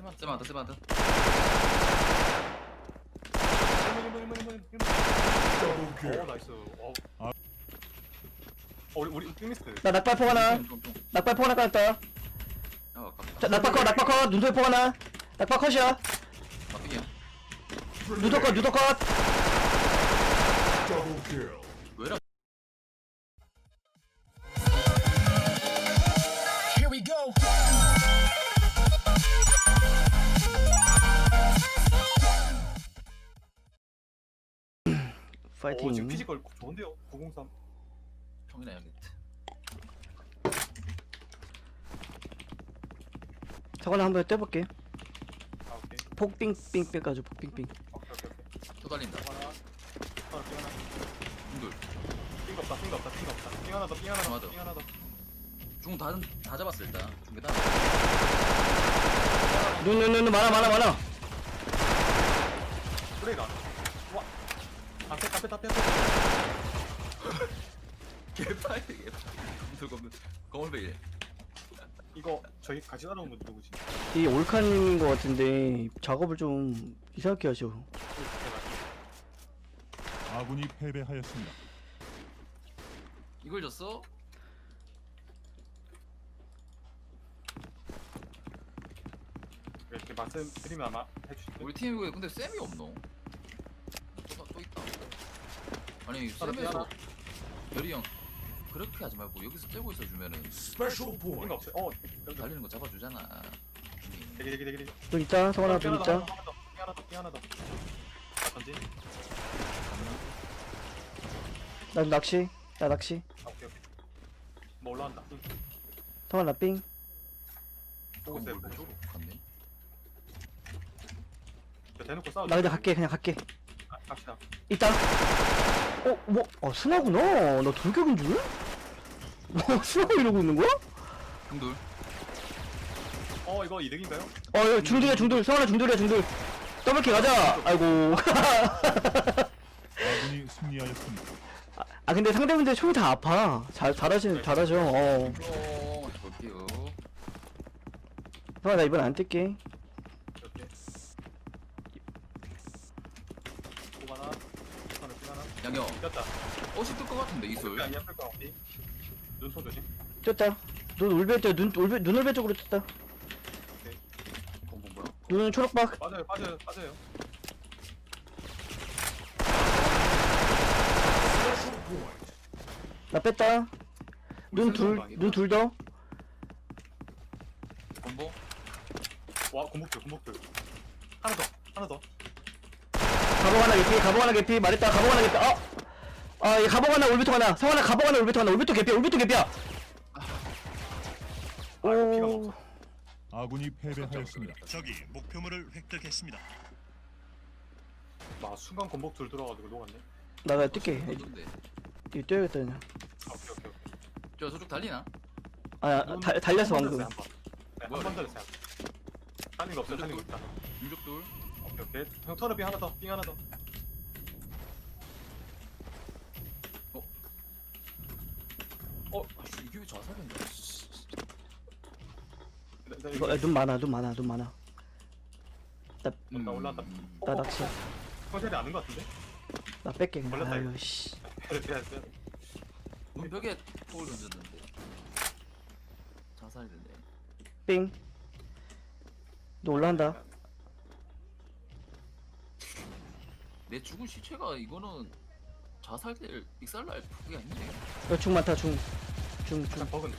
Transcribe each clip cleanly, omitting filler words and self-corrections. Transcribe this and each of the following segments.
세마다 세마다. 오 나이스. 우리 띵리스. 나 낙발포 하나. 낙발포 하나 깔았다. 아 아깝다. 자, 낙발 컷. 눈돌포 하나. 낙발 컷이야. 막히야. 누더 컷. 왜라? Here we go. 파이팅. 지금 피지컬 좋은데요. 903. 형이나 해야겠다. 저거는 한번 떼볼게. 아 오케이. 폭빙빙 빼가지고 폭빙빙. 오케이. 또 달린다. 하나. 삥 하나. 중돌. 삥 없다. 삥 하나 더. 삥 하나 맞아. 더. 중 다 잡았어 일단. 중계 다. 눈 많아. 브레이가. 와. 앞에. 개파이. 거물베이. 이거 저희 같이 따라온 분 누구지? 이 올칸인 것 같은데 작업을 좀 이상하게 하셔. 아군이 패배하였습니다. 이걸 줬어? 이렇게 말씀드리면 아마 해주실 거예요. 우리 팀에 근데 쌤이 없노? 또 있다. 아니 쌤에서 별이 형 그렇게 하지 말고 여기서 떼고 있어 주면은 삥 없어요. 여기. 달리는 거 잡아주잖아. 되게. 눈 있다. 성원아 눈 있다. 삥 하나 더. 던지. 나 낚시. 아, 오케이. 뭐 올라간다. 성원아 삥. 보고 있어요. 뭘 쪽으로 갔네. 대놓고 싸워. 나 그냥 갈게. 갑시다. 있다. 스나구나. 나 돌격인 줄? 스나가 이러고 있는 거야? 중돌. 이거 이득인가요? 이거 중돌이야. 성원아 중돌. 더블킥 가자. 아이고. 아군이 승리하였습니다. 근데 상대분들 총이 다 아파. 잘하죠. 볼게요. 성원아 나 이번 안 뜰게. 이렇게. 고 하나. 양형. 꼈다. 옷이 뜰것 같은데 이슬. 안 예쁠 거 같지? 눈통 조심. 떴다. 눈 올베 쪽으로 떴다. 뭐야? 눈은 초록박. 빠져요. 나 뺐다. 눈 둘 더. 공보. 와, 공복들. 하나 더. 가봉 하나 개피. 말했다. 가봉 하나 개피. 얘 가봉 하나 올비통 하나. 성환아 가봉 하나 올비통 하나. 올비통 개피야. 이거 피가 오. 먹어. 아군이 패배하였습니다. 적이 목표물을 획득했습니다. 순간 공복들 들어가지고 녹았네. 나가 뛸게. 어딘데? 이거 뛰어야겠다 그냥. 오케이. 저 저쪽 달리나? 달렸어 방금. 한번 달렸어요. 달린 거 없어. 중족돌. 오케이. 형 턴업이 삥 하나 더. 이게 왜 자살인데? 이거 눈 많아. 나 올라왔다. 나 낚시. 컨셉이 아는 거 같은데? 나 뺄게 그냥. 걸렸다, 이거. 아유 씨. 그래. 눈 벽에 톡을 던졌는데 자살이 됐네. 삥. 너 올라간다. 내 죽은 시체가 이거는 자살될 익살날 그게 아닌데. 이거 중 많다 중. 그냥 버그네.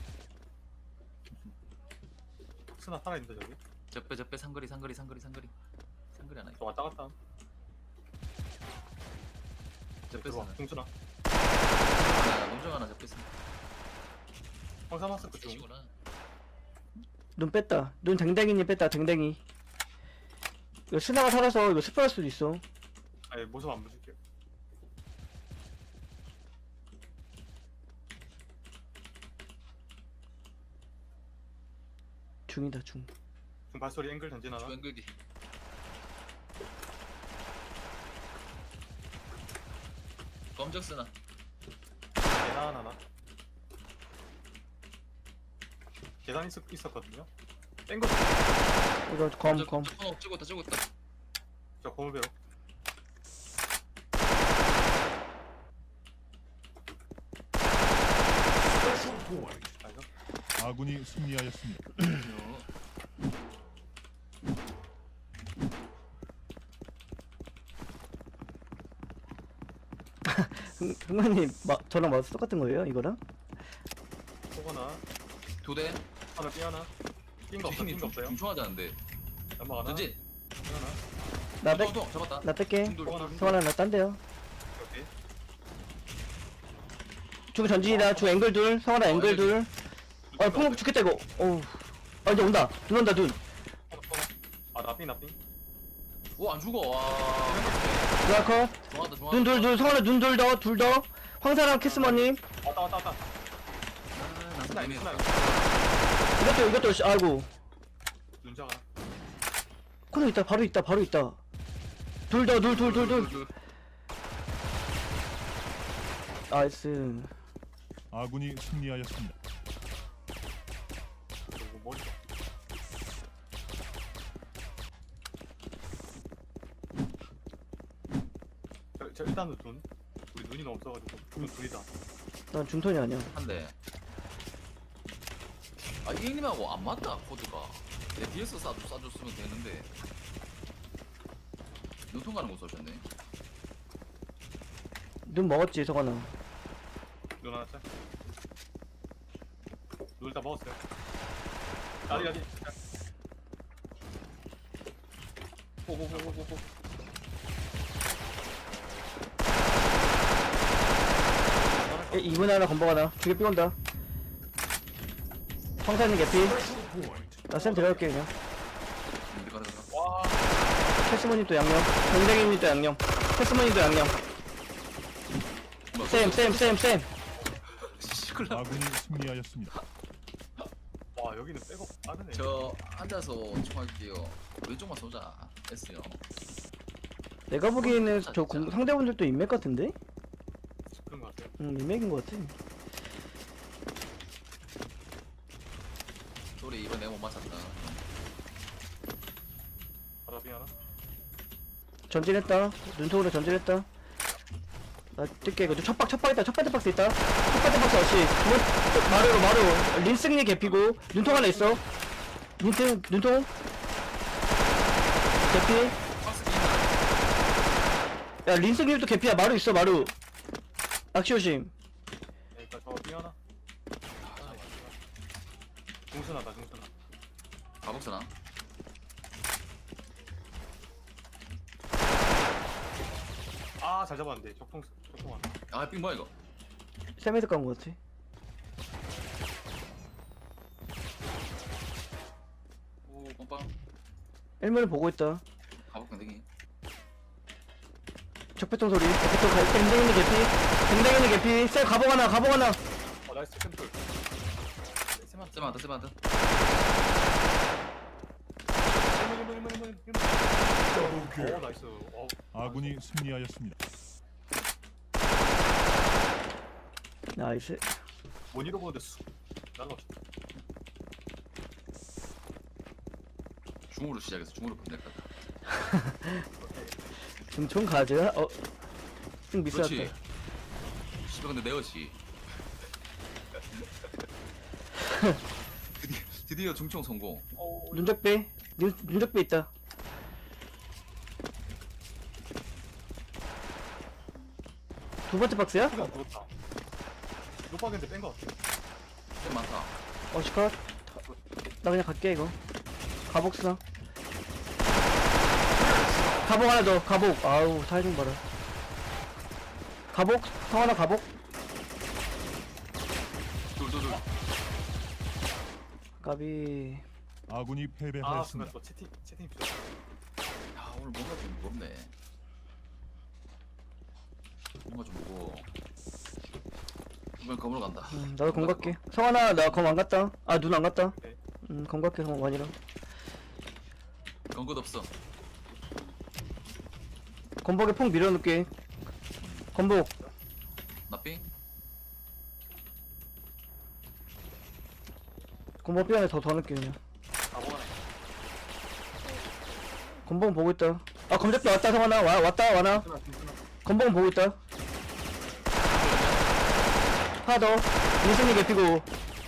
스나 살아있는데 저기? 적배 상거리 하나 있어. 저 왔다 갔다. 적배 들어와. 하나. 중순아. 농정 하나 적배 하나. 황사 마스크 중. 치구나. 눈 뺐다. 눈 댕댕이니 뺐다. 댕댕이. 이거 스나가 살아서 이거 스프할 수도 있어. 아니 모습 안 보실게요. 중이다 중. 중 발소리 앵글 던지나나? 앵글기. 검적 쓰나. 계단 하나. 계단 있었거든요. 뺀거 이거 검. 찍고 있다. 저 검을 배워. 알죠? 아군이 승리하였습니다. 흥만님 저랑 맞아 똑같은 거예요 이거랑? 포거나 두 대. 하나 삐 하나. 낀거 없어. 낀거 없어요. 중충하자는데. 연막 하나. 전진. 삐 하나. 나 뺄, 동 잡았다. 나 뺄게. 중돌. 성환아 나 딴데요. 오케이. 중 전진이다. 중 앵글 둘. 성환아 앵글 둘. 풍 죽겠다 이거. 어우. 아 이제 온다. 눈 온다 눈. 아 나삥. 오안 죽어. 와. 누나 컷. 좋아한다. 눈 둘. 성환아 눈 둘 더. 둘 더. 황사랑 키스머님. 왔다. 나 스나. 이것도 아이고. 눈자가. 코너 있다. 바로 있다. 둘 더. 둘. 나이스. 아군이 승리하였습니다. 그리고 머리. 저 일단은 눈. 우리 눈이 너무 없어가지고 눈 둘이다. 난 중턴이 아니야. 한대. 아 이님하고 안 맞다 코드가. 내 뒤에서 쏴줬으면 되는데. 눈통 가는 거 쏘셨네. 눈 먹었지 성환아. 눈 하나 짜. 눈 다 먹었어요. 아직. 고고고고고. 이분 하나 건복 하나. 두개 삐온다. 황사님 개피. 나 쌤 들어갈게 그냥. 가라. 와. 캐스머님도 양념. 동생님도 양념. 캐스머님도 양념. 쌤. 시클라. 아군이 승리하였습니다. 와 여기는 백업 빠르네. 저 앉아서 총할게요. 왼쪽만 쏘자. S요. 내가 보기에는 저 상대분들도 인맥 같은데? 그런 거 같아요. 인맥인 것 같아. 소리 이번 내가 못 맞췄다. 바다비 하나. 전진했다. 눈통으로 전진했다. 나 뛸게. 이거 첫 번째 박스 있다. 첫 번째 박스 없이. 마루. 린승리 개피고. 눈통 하나 있어. 눈통. 개피. 박스 야, 린승님도 개피야. 마루 있어, 마루. 악시오심. 일단 저비 하나. 중순하다. 가복스나. 아 잘 잡았는데 적통 하나. 아삥 뭐야 이거? 세메드 간것 같아. 오 빵빵. 1문을 보고 있다. 가복 댕댕이. 적배통 소리. 댕댕이니 개피. 쌤, 가복 하나. 나이스 샘플. 세만다. 오 나이스. 아군이 승리하였습니다. 나이스. 모니터 보는데 쑥 날라왔어. 중으로 시작해서 중으로 끝낼 거다. 중총 가즈가, 좀 미스였다. 그렇지. 씨발 근데 내어시. 드디어 중총 성공. 눈적배. 눈적배 있다. 두 번째 박스야? 피가 누웠다. 노박인데 뺀 거 같아. 좀 많다. 시컷. 나 그냥 갈게, 이거. 가복 쓰나? 가복 하나 더, 가복. 아우, 타이밍 봐라. 가복? 성하나 가복? 둘. 까비. 아군이 아 순간 패배하였습니다. 또 채팅 필요. 야 오늘 뭔가 좀 무겁네. 뭔가 좀 무거워. 이번 검으로 간다. 나도 검 갈게. 성하나, 나 검 안 갔다. 아, 눈 안 갔다. 네. 검 갈게, 성 완이랑. 검것 없어. 검복에 폭 밀어놓게. 검복. 나삥? 검복 삐안에 더 넣을게, 그냥. 아 뭐하네. 건봉 보고 있다. 아 검색도 왔다 성환아. 왔다 와나. 건봉 보고 있다. 하나 더. 민승이 개피고.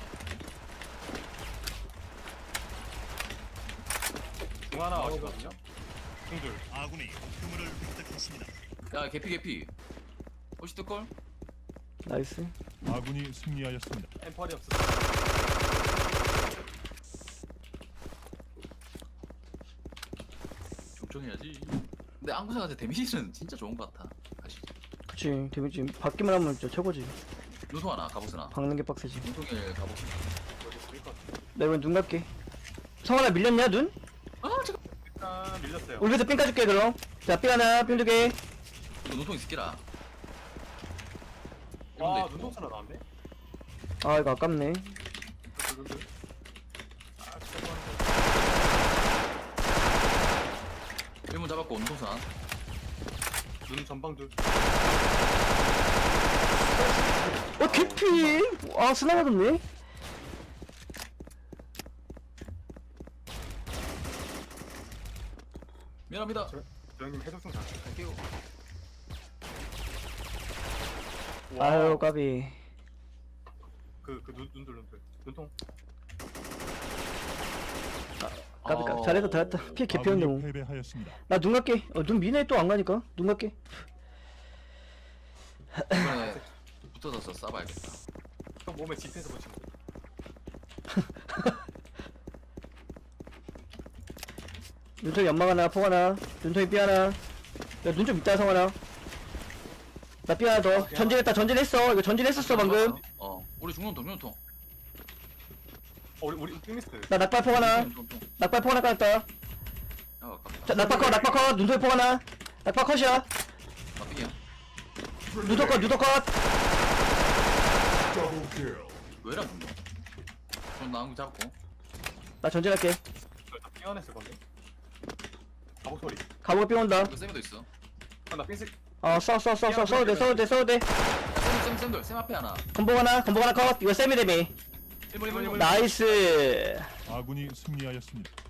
중 하나 어시거든요. 중둘. 아군이 목표물을 획득했습니다. 야 개피 혹시 뜰걸? 나이스. 아군이 승리하였습니다. 엠펄이 없어. 좀정해야지. 근데 안구사한테 데미지는 진짜 좋은 것 같아. 아시죠? 그치. 데미지 받기만 하면 진짜 최고지. 눈통 하나 가보스나. 박는 게 빡세지. 눈통에 가보스. 여기 보일 것 같아. 나 이번 눈 갈게. 성환아 밀렸냐 눈? 아 잠깐. 일단 밀렸어요. 울베에서 삥 까줄게 그럼. 자 삥 하나 삥 2개. 이거 눈통 있을게라. 와 눈동자나 나왔네. 아 이거 아깝네. 눈둘. 아 진짜 좋아하는 1문 잡았고 눈통산. 눈 전방둘. 개피. 아 스나 맞았네. 미안합니다. 저 형님 해적승 잘. 갈게요. 아유 까비. 눈둘. 눈통. 까비 까비. 잘했다 잘했다. 피 개피였네. 아군이 패배하였습니다. 나 눈 갈게. 눈 미네 또 안 가니까. 눈 갈게. 이번에 붙어서 싸봐야겠다. 형 몸에 집해서 보시면 돼. 눈통이 연막 하나 포 하나. 눈통이 삐 하나. 야 눈 좀 있다 성환아. 나 삐 하나 더. 전진했어. 이거 전진했었어 방금. 우리 중눈통. 우리 띵미스. 나 낙발포 하나. 눈통. 낙발포 하나 깔았다. 야 아깝다. 자, 낙발컷. 눈통이 포 하나. 낙발 컷이야. 나쁘기야. 누더컷. 왜라 분노? 좀 나은 거 잡고. 나 전진할게. 삐어냈을 건데. 가복 소리. 가보고 삥 온다. 이거 쌤도 있어. 나 핑색. 써도 돼. 쌤 앞에 하나. 건봉 하나 컷. 이거 세미 데미. 1번. 나이스. 아군이 승리하였습니다.